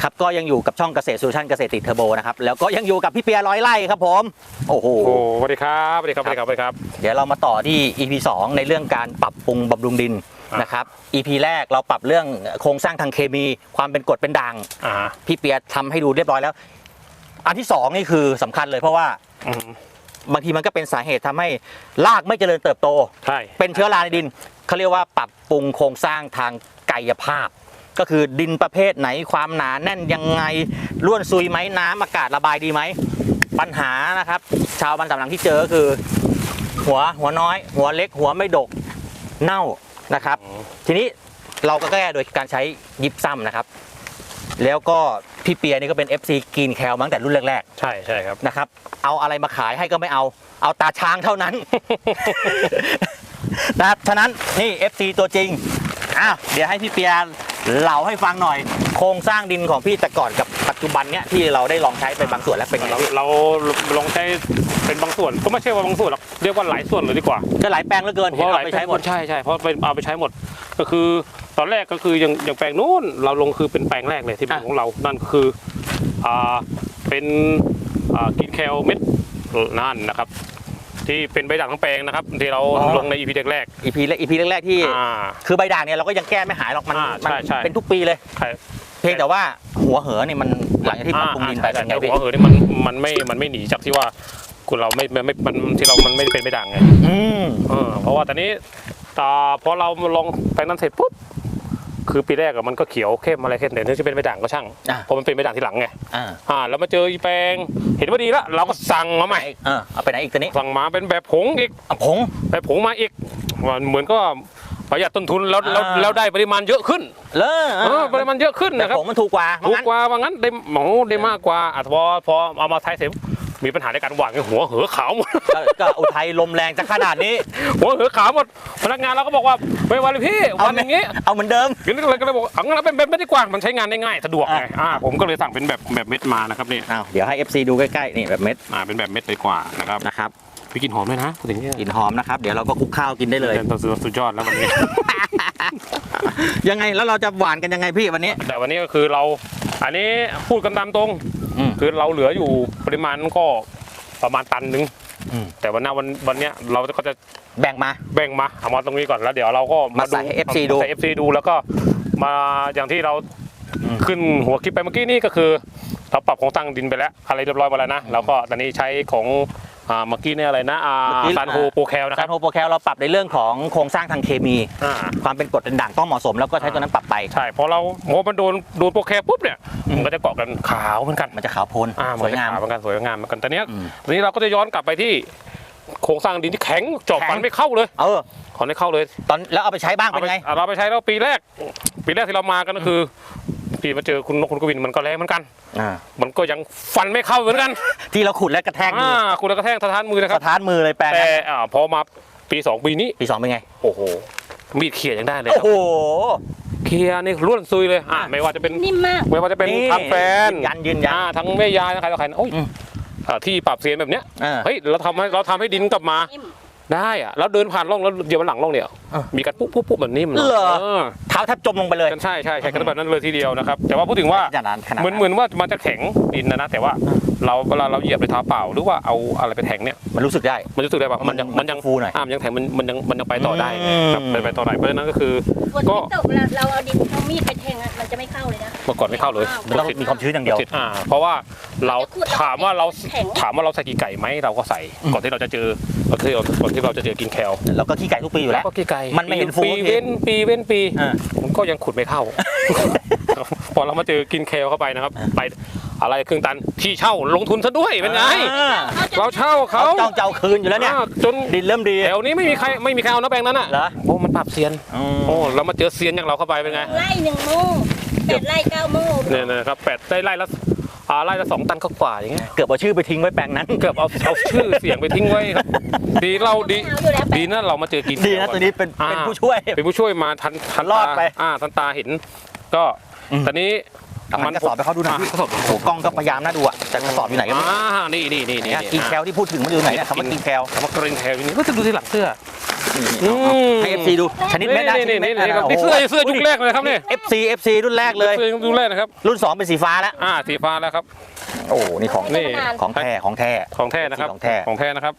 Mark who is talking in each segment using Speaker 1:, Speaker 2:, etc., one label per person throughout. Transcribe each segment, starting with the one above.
Speaker 1: ครับก็ยังอยู่กับช่องเกษตรโซลูชันเกษตรติดเทอร์โบนะครับแล้วก็ยังอยู่กับพี่เปียร้อยไร่ครับผมโอ้โห
Speaker 2: สวัสดีครับสวัสดีครับสวัสดีครับสวัสดีครับ
Speaker 1: เดี๋ยวเรามาต่อที่ EP 2ในเรื่องการปรับปรุงบำรุงดินนะครับ EP แรกเราปรับเรื่องโครงสร้างทางเคมีความเป็นกรดเป็นด่างพี่เปียทำให้ดูเรียบร้อยแล้วอันที่2นี่คือสำคัญเลยเพราะว่าบางทีมันก็เป็นสาเหตุทำให้รากไม่เจริญเติบโต
Speaker 2: ใช่
Speaker 1: เป็นเชื้อราในดินเขาเรียกว่าปรับปรุงโครงสร้างทางกายภาพก็คือดินประเภทไหนความหนาแน่นยังไงร่วนซุยไหมน้ำอากาศระบายดีไหมปัญหานะครับชาวบ้านสำนักที่เจอก็คือหัวน้อยหัวเล็กหัวไม่ดกเน่านะครับทีนี้เราก็แก้โดยการใช้ยิปซัมนะครับแล้วก็พี่เปียนี่ก็เป็น FC กรีนแคลมาตั้งแต่รุ่นแรก
Speaker 2: ๆใช่ครับ
Speaker 1: นะครับเอาอะไรมาขายให้ก็ไม่เอาตาช้างเท่านั้น นะครับฉะนั้นนี่ FC ตัวจริงเดี๋ยวให้พี่เปียเล่าให้ฟังหน่อยโครงสร้างดินของพี่แต่ก่อนกับปัจจุบันเนี้ยที่เราได้ลองใช้ไปบางส่วนแล้วเป็นไง
Speaker 2: เราลองใช้เป็นบางส่วนก็ไม่ใช่ว่าบางส่วนหรอกเรียกว่าหลายส่วนเลยดีกว่า
Speaker 1: ก็หลายแปลงเหลือเกิน
Speaker 2: เพราะเอาไปใช้หมดใช่เพราะเอาไปใช้หมดก็คือตอนแรกก็คืออย่างแปลงนู้นเราลงคือเป็นแปลงแรกเลยที่เป็นของเรานั่นคือเป็นกินแคลเม็ดนั่นนะครับที่เป็นใบด่างทั้งแปลงนะครับที่เราลงใน EP แรก
Speaker 1: EP แรกที่คือใบด่างเนี่ยเราก็ยังแก้ไม่หายหรอกมันเป็นทุกปีเลยเพียงแต่ว่าหัวเหอเนี่ยมันหลังจากที่ปรับปรุงดินไปเป็นไง
Speaker 2: หัวเหอนี่มันไม่หนีจากที่ว่าคุณเราไม่ที่เรามันไม่เป็นใบด่างไงเพราะว่าตอนนี้พอเราลองแปลงนั้นเสร็จปุ๊บคือปีแรกมันก็เขียวเข้มอะไรเข้มแต่เนื่องจากเป็นใบด่างก็ช่างเพราะมันเป็นใบด่างที่หลังไงแล้วมาเจออีแปลงเห็นว่าดีแล้วเราก็สั่งมาใหม่
Speaker 1: เอาไปไหนอีกตัวนี้
Speaker 2: สั่งมาเป็นแบบผงอีกแบบผงมาอีกเหมือนก็ประหยัดต้นทุนแล้วได้ปริมาณเยอะขึ้นปริมาณเยอะขึ้นนะครับ
Speaker 1: ผงมันถูกกว่า
Speaker 2: ว่างั้นได้มากกว่าพอเอามาใช้เสร็จมีปัญหาในการหว่านหัวเหอขาวหมด
Speaker 1: ก็อุทัยลมแรงจะขนาดนี้
Speaker 2: หัวเหอขาวหมดพนักงานเราก็บอกว่าไม่วันเลยพี่วันอย่างงี้
Speaker 1: เอาเหมือนเดิม
Speaker 2: ก็เลยบอกงั้นเราเป็นแบบไม่ได้กว้างมันใช้งานได้ง่ายสะดวกไงผมก็เลยสั่งเป็นแบบเม็ดมานะครับนี่
Speaker 1: เดี๋ยวให้ FC ดูใกล้ๆนี่แบบเม็ด
Speaker 2: เป็นแบบเม็ดเลยกว่านะครับพี่กินหอมด้วยนะพูดถึงนี่
Speaker 1: กินหอมนะครับเดี๋ยวเราก็คลุกข้าวกินได้เลย
Speaker 2: สุดยอดแล้ววันนี้
Speaker 1: ยังไงแล้วเราจะหวานกันยังไงพี่วันนี้
Speaker 2: แต่วันนี้ก็คือเราอันนี้พูดกันตามตรงคือเราเหลืออยู่ปริมาณก็ประมาณตันนึงแต่วันนี้เราก็จะ
Speaker 1: แบ่งมา
Speaker 2: เอามาตรงนี้ก่อนแล้วเดี๋ยวเราก็
Speaker 1: มาใส่ FC
Speaker 2: ดูแล้วก็มาอย่างที่เราขึ้นหัวคลิปไปเมื่อกี้นี่ก็คือเราปรับโครงสร้างดินไปแล้วอะไรเรียบร้อยมาแล้วนะแล้วก็ตอนนี้ใช้ของเมื่อกี้เนี่ยอะไรนะซานโฮโปรแคลนะครับ
Speaker 1: ซานโฮโปรแคลเราปรับในเรื่องของโครงสร้างทางเคมีความเป็นกรดเป็นด่างต้องเหมาะสมแล้วก็ใช้ตัวนั้นปรับไป
Speaker 2: ใช่พอเรามันโดนโปรแคลปุ๊บเนี่ยมันก็จะเกาะกันขาวเหมือนกัน
Speaker 1: มันจะขาวพ้น
Speaker 2: สวยงามเหมือนกันตอนนี้เราก็จะย้อนกลับไปที่โครงสร้างดินที่แข็งจอบฟันไม่เข้าเลยขอไม่เข้าเลย
Speaker 1: ตอนแล้วเอาไปใช้บ้างเป็นไง
Speaker 2: เราไปใช้แล้วปีแรกที่เรามากันก็คือพี่มาเจอคุณนกคุณกวินมันก็แรงเหมือนกันมันก็ยังฟันไม่เข้าเหมือนกัน
Speaker 1: ที่เราขุดแล้วกระแทกมือ
Speaker 2: ขุดแล้วกระแทกสะท้านมือนะครับ
Speaker 1: สะท้านมือเลยแปลง
Speaker 2: แต่พอมาปี2ปีนี้
Speaker 1: เป็นไง
Speaker 2: โอ้โหมีดเขี่ยยังได้เลย
Speaker 1: โอ้โห
Speaker 2: เขี่ยนี่ล้วนซุยเลยไม่ว่าจะเป็น
Speaker 3: นิ่มมาก
Speaker 2: ไม่ว่าจะเป็นทางแฟน
Speaker 1: ยืนยัน
Speaker 2: ทั้งแม่ยายทั้งใครต่อใครโอ้ยที่ปรับเสียงแบบเนี้ยเฮ้ยเราทำให้ดินกลับมาได้แล้วเดินผ่านร่องแล้วเดี๋ยวมันหลังร่องเนี่ยมีการปุ๊บแบบนี้มัน
Speaker 1: เท้าแทบจมลงไปเลย
Speaker 2: ใช่กันแบบนั้นเลยทีเดียวนะครับแต่ว่าพูดถึงว่าเหมือนว่ามันจะแข็งดินนะแต่ว่าเวลาเราเหยียบไปเท้าเปล่าหรือว่าเอาอะไรไปแทงเนี่ย
Speaker 1: มันรู้สึกได้
Speaker 2: ว่ามันยัง
Speaker 1: ฟูหน่อย
Speaker 2: ยังแทงมันยังไปต่อได้ครับไปต่อได้เพราะฉะนั้นก็คือ
Speaker 3: ก็เราเอาดินเอามีดไปแทงมันจะไม่เข้าเลยนะ
Speaker 2: เมื่อก่อนไม่เข้าเลย
Speaker 1: ต้องมีความชื้นอย่างเดียว
Speaker 2: เพราะว่าเราถามว่าเราใส่กี่ไก่ไหมเราก็ใส่ก่อนที่เราจะเจอกินแคล
Speaker 1: เราก็ขี้ไก่ทุกปีอยู่แล้ว
Speaker 2: ก็ขี้ไก่
Speaker 1: มันไม่เห็นฟู
Speaker 2: ปีเว้นปีมันก็ยังขุดไม่เข้าพอเรามาเจอกินแคลเข้าไปนะครับไปอะไรครึ่งตันที่เช่าลงทุนซะด้วยเป็นไงเราเช่าเขา
Speaker 1: เจ้าคืนอยู่แล้วเนี่ย
Speaker 2: จน
Speaker 1: ดินเริ่มดี
Speaker 2: แถวนี้ไม่มีใครเอานะแปลงนั้นอ่ะโอ้มันปรับเซียนเรามาเจอเซียนอย่างเราเข้าไปเป็นไง
Speaker 3: ไร่1 โม่8 ไร่ 9 โม่
Speaker 2: เนี่ยนะครับ8ไร่ละ2 ตันกว่าอย่างเงี้ย
Speaker 1: เกือบเอาชื่อไปทิ้งไว้แปลงนั้น
Speaker 2: เกือบเอาชื่อเสียงไปทิ้งไว้ครับดีนะเรามาเจอกิน
Speaker 1: ดีนะตัวนี้เป็นผู้ช่วย
Speaker 2: มาทัน
Speaker 1: รอดไป
Speaker 2: ทันตาเห็นก็ตอนนี้
Speaker 1: มันกระสอบไปเขาดูหน่อยโอ้กล้องก็พยายามน่าดูอ่ะแต่กระสอบอยู่ไหนกัน
Speaker 2: นี่
Speaker 1: กินแคลที่พูดถึงมันอยู่ไหนเนี่ยคำว่ากินแคล
Speaker 2: นี่ก็จะดูที่หลังเสื้อ
Speaker 1: ให้ FC ดูชนิดเม็ดนะชนิดเม็ด
Speaker 2: นี่ครับนี่เสื้อยุคแรกเลยครับนี่
Speaker 1: FC รุ่นแรกเลย
Speaker 2: เสื้อยุคแรกนะครับ
Speaker 1: รุ่น 2 เป็นสีฟ้าแล้ว
Speaker 2: สีฟ้าแล้วครับ
Speaker 1: โอ้นี่ของ
Speaker 2: นี่
Speaker 1: ของแท้ของแท้
Speaker 2: ของแท้นะครับ
Speaker 1: ของแท้
Speaker 2: ของแท้นะครับ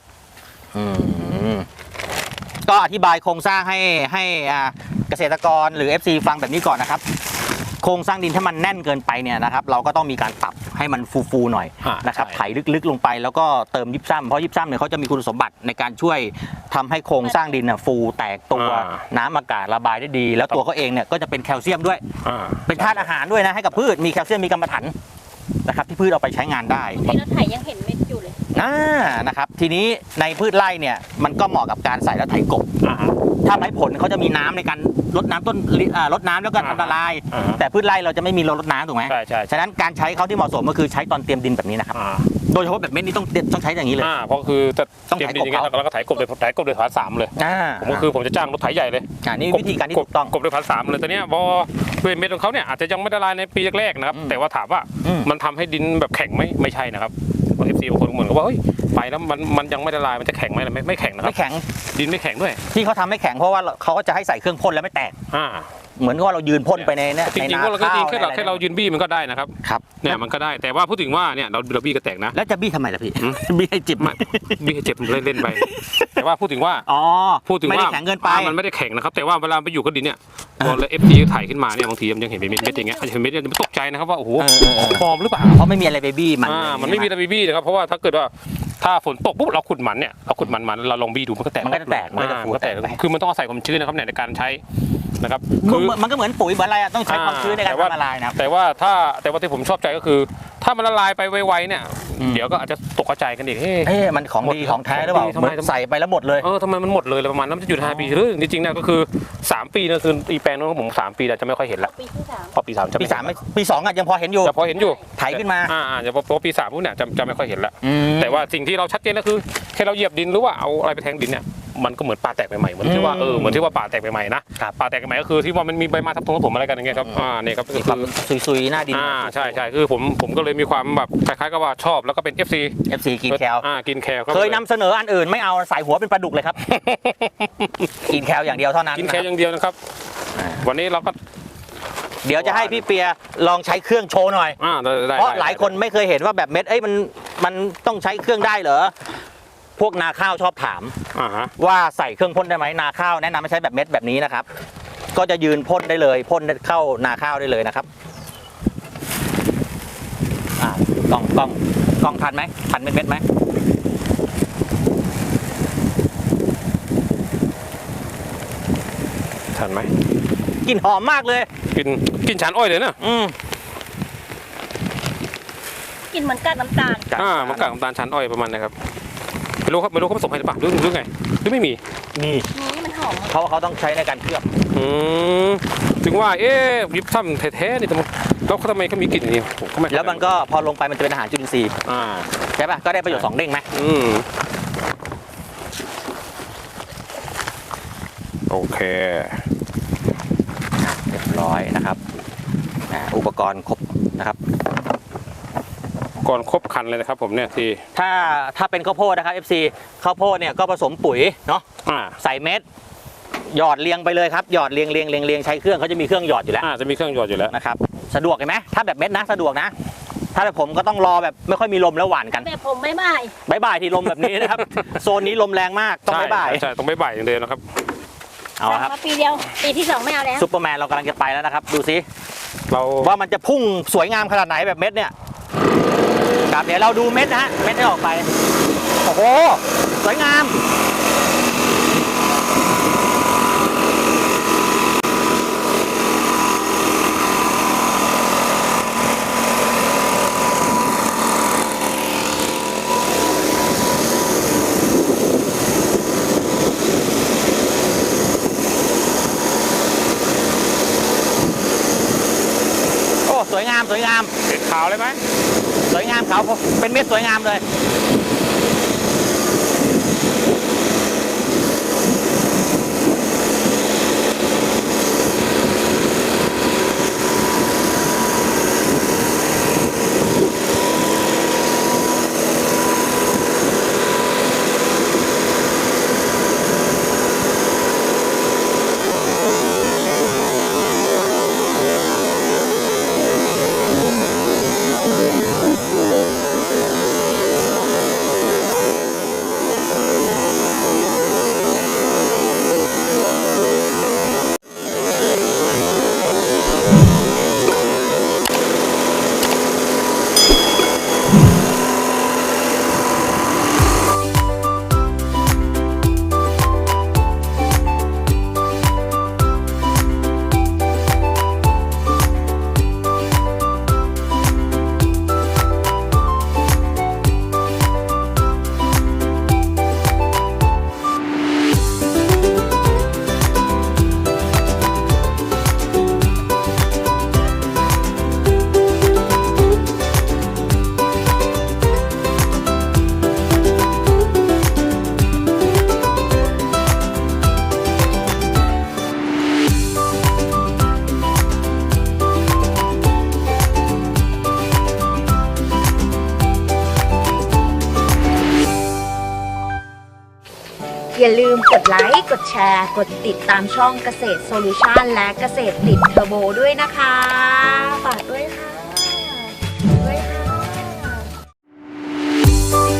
Speaker 1: ก็อธิบายโครงสร้างให้เกษตรกรหรือ FC ฟังแบบนี้ก่อนนะครับ โครงสร้างดินถ้ามันแน่นเกินไปเนี่ยนะครับเราก็ต้องมีการปรับให้มันฟูๆหน่อยนะครับ
Speaker 2: ใช่
Speaker 1: ไถลึกๆลงไปแล้วก็เติมยิปซัมเพราะยิปซัมเนี่ยเขาจะมีคุณสมบัติในการช่วยทำให้โครงสร้างดินฟูแตกตัวน้ำอากาศระบายได้ดี แล้วตัวเขาเองเนี่ยก็จะเป็นแคลเซียมด้วย เป็นธาตุอาหารด้วยนะให้กับพืชมีแคลเซียมมีกรรมะถันนะครับที่พืชเอาไปใช้งานได้
Speaker 3: นี่รถไถยังเห็นเม็ดอยู่เลย
Speaker 1: นะครับทีนี้ในพืชไร่เนี่ยมันก็เหมาะกับการใส่แล้วไถกบถ้าไม้ผลเขาจะมีน้ำในการรดน้ำต้นรดน้ำแล้วก็อันตราย แต่พืชไร่เราจะไม่มีรดน้ำถูกไหม
Speaker 2: ใช่ใช่
Speaker 1: ฉะนั้นการใช้เขาที่เหมาะสมก็คือใช้ตอนเตรียมดินแบบนี้นะครับโดยเฉพาะแบบเม็ดนี้ต้องใช้อย่างนี้เลย
Speaker 2: เพราะคือจะ
Speaker 1: ต้อง
Speaker 2: เตรียม
Speaker 1: ไถ
Speaker 2: ดินอย่างเงี้ย
Speaker 1: กบเขา
Speaker 2: แล้วก็ไถกบโดยฐาน3เลยผมก็จะจ้างรถไถใหญ่เลย
Speaker 1: นี่วิธีการที่ถูกต้อง
Speaker 2: กบโดยฐาน3เลยแต่เนี้ยพอด้วยเม็ดของเขาเนี่ยอาจจะยังไม่ละลายในปีแรกๆนะครับแต่ว่าถามว่ามันทำให้ดินแบบแข็งไหมไม่ใช่นะครับเอฟซีบางคนเหมือนกับว่าเฮ้ยไปแล้วมันยังไม่ละลายมันจะแข็งไหมไม่แข็งนะครับ
Speaker 1: ไม่แข็ง
Speaker 2: ดินไม่แข็งด้วย
Speaker 1: ที่เขาทำไม่แข็งเพราะว่าเขาก็จะให้ใส่เครื่องพ่นแล้วไม่แตกเหมือนกับว่าเรายืนพ่นไปในเนี่ย
Speaker 2: จริงๆว่าเราก็จริงแค่เรายืนบี้มันก็ได้นะครับ
Speaker 1: ครับ
Speaker 2: เนี่ยมันก็ได้แต่ว่าพูดถึงว่าเนี่ยเราบี้ก็แตกนะ
Speaker 1: แล้วจะบี้ทำไมล่ะพี่บี้ให้จิบ
Speaker 2: บี้ให้เจ็บเล่นไปแต่ว่าพูดถึงว่า พูดถึง
Speaker 1: ไม่
Speaker 2: ว่า
Speaker 1: ได้แข็งเกินไป
Speaker 2: มันไม่ได้แข็งนะครับแต่ว่าเวลาไปอยู่กับดินเนี่ยพอเอฟซีถ่ายขึ้นมาเนี่ยบางทีมันยังเห็นเป็นเม็ดอย่างเงี้ยเห็นเม็ดจะตกใจนะครับว่าโอ้โหปลอมหรือเปล่า
Speaker 1: เพราะไม่มีอะไรไปบี้มัน
Speaker 2: มันไม่มีตะบีบี้นะครับเพราะว่าถ้าเกิดว่าถ้าฝนตกปุ๊บเราขุดมันเนี่ยเราขุดมันเราลองบี้ดูมันก็แตก
Speaker 1: มันก็จะแตกมันก็จะฟู
Speaker 2: มันก็แตก
Speaker 1: แตก
Speaker 2: คือมันต้องอาศัยความชื้นนะครับในการใช้นะครับ
Speaker 1: มันก็เหมือนปุ๋ยเหมือนอะไรอะต้องใช้ความชื้นในการทำละลายนะครับ
Speaker 2: แต่ว่าที่ผมชอบใจก็คือ ถ้ามันละลายไปไวๆเนี่ยเดี๋ยวก็อาจจะตกกระจายกันอีก
Speaker 1: มันของดีของแท้หรือเปล่า
Speaker 2: ทำไม
Speaker 1: ใส่ไปแล้วหมดเลย
Speaker 2: ทำไมมันหมดเลยประมาณนั้นมันจะอยู่5 ปีหรือจริงๆเนี่ยก็คือ3 ปีนะคืออีแปลงนู้นของผม3 ปีจะไม่ค่อยเห็นละ
Speaker 3: ปีที่ 3
Speaker 2: พอปี3จะ
Speaker 1: ปี 3ปี 2อะยังพอเห็นอยู่
Speaker 2: จะพอเห็นอยู่
Speaker 1: ไถขึ้นมา
Speaker 2: จะพอปี3ปุ๊บเนี่ยจะไม่ค่อยเห็นละแต่ว่าสิ่งที่เราชัดเจนก็คือแค่เราเหยียบดินหรือว่าเอาอะไรไปแทงดินเนี่ยมันก็เหมือนป่าแตกใหม่ๆเหมือนที่ว่าป่าแตกใหม่ๆนะป่าแตกใหม่ก็คือที่ว่ามันมีใบไม้ทับถมอะไรกันอย่างเงี้ยครับเนี่ยครับ
Speaker 1: มีความซุยๆหน้าดิน
Speaker 2: ใช่คือผมก็เลยมีความแบบคล้ายๆกับว่าชอบแล้วก็เป็น FC
Speaker 1: กินแคล
Speaker 2: กินแคล
Speaker 1: เคยนำเสนออันอื่นไม่เอาใส่หัวเป็นปลาดุกเลยครับ กินแคลอย่างเดียวเท่านั้น
Speaker 2: กินแคลอย่างเดียวนะครับวันนี้เราก็
Speaker 1: เดี๋ยวจะให้พี่เปียลองใช้เครื่องโชว์หน่อยเพราะหลายคนไม่เคยเห็นว่าแบบเม็ดมันต้องใช้เครื่องได้เหรอพวกนาข้าวชอบถามว่าใส่เครื่องพ่นได้ไหมนาข้าวแนะนำให้ใช้แบบเม็ดแบบนี้นะครับก็จะยืนพ่นได้เลยพ่นเข้านาข้าวได้เลยนะครับกล้องทันไหมทันเม็ดไหม
Speaker 2: ทันไหม
Speaker 1: กลิ่นหอมมากเลย
Speaker 2: กินฉานอ้อยเลยนะ
Speaker 3: กินเหมือนกากน้ำตาล
Speaker 2: มันกากน้ำตาลฉานอ้อยประมาณนะครับไม่รู้เขาผสมให้หรือเปล่าหรือไงหรือไม่มี
Speaker 3: นี่มันหอม
Speaker 1: เขาต้องใช้ในการเคลือบ
Speaker 2: ถึงว่ายิบซ้ำแท้ๆนี่แล้วทำไมเขามีกลิ่นอย่างนี้
Speaker 1: แล้วมันก็พอลงไปมันจะเป็นอาหารจุลินทรีย์ใช่ป่ะก็ได้ประโยชน์2 เด้งไหม
Speaker 2: โอเค
Speaker 1: เรียบร้อยนะครับอุปกรณ์ครบนะครับ
Speaker 2: ก่อนครบคันเลยนะครับผมเนี่ยที่
Speaker 1: ถ้าเป็นข้าวโพดนะครับ FC ข้าวโพดเนี่ยก็ผสมปุ๋ยเนาะใส่เม็ดหยอดเรียงไปเลยครับหยอดเรียงใช้เครื่องเขาจะมีเครื่องหยอดอยู่แล้ว
Speaker 2: จะมีเครื่องหยอดอยู่แล้ว
Speaker 1: นะครับสะดวกเห็นไหมถ้าแบบเม็ดนะสะดวกนะถ้าแบบผมก็ต้องรอแบบไม่ค่อยมีลมแล้วหวานกัน
Speaker 3: แบบผมบ่าย
Speaker 1: ที่ลมแบบนี้นะครับโซนนี้ลมแรงมากต้องบ่าย
Speaker 2: ใช่ต้องบ่ายอย่างเดียวนะครับ
Speaker 1: เอาครับ
Speaker 3: ปีเดียวปีที่2ไม่เอาแล้ว
Speaker 1: ซุปเปอร์แมนเรากำลังจะไปแล้วนะครับดูซิว่ามันจะพุ่งสวยงามขนาดไหนแบบเม็ดเนี่ยครับเดี๋ยวเราดูเม็ดนะฮะเม็ดที่ออกไปโอ้โหสวยงามสวยงาม
Speaker 2: เป็นขาวเลยไหม
Speaker 1: สวยงามขาวเป็นเม็ดสวยงามเลย
Speaker 4: อย่าลืมกดไลค์ กดแชร์ กดติดตามช่องเกษตรโซลูชันและเกษตรติดเทอร์โบด้วยนะคะฝากด้วยค่ะด้วยค่ะ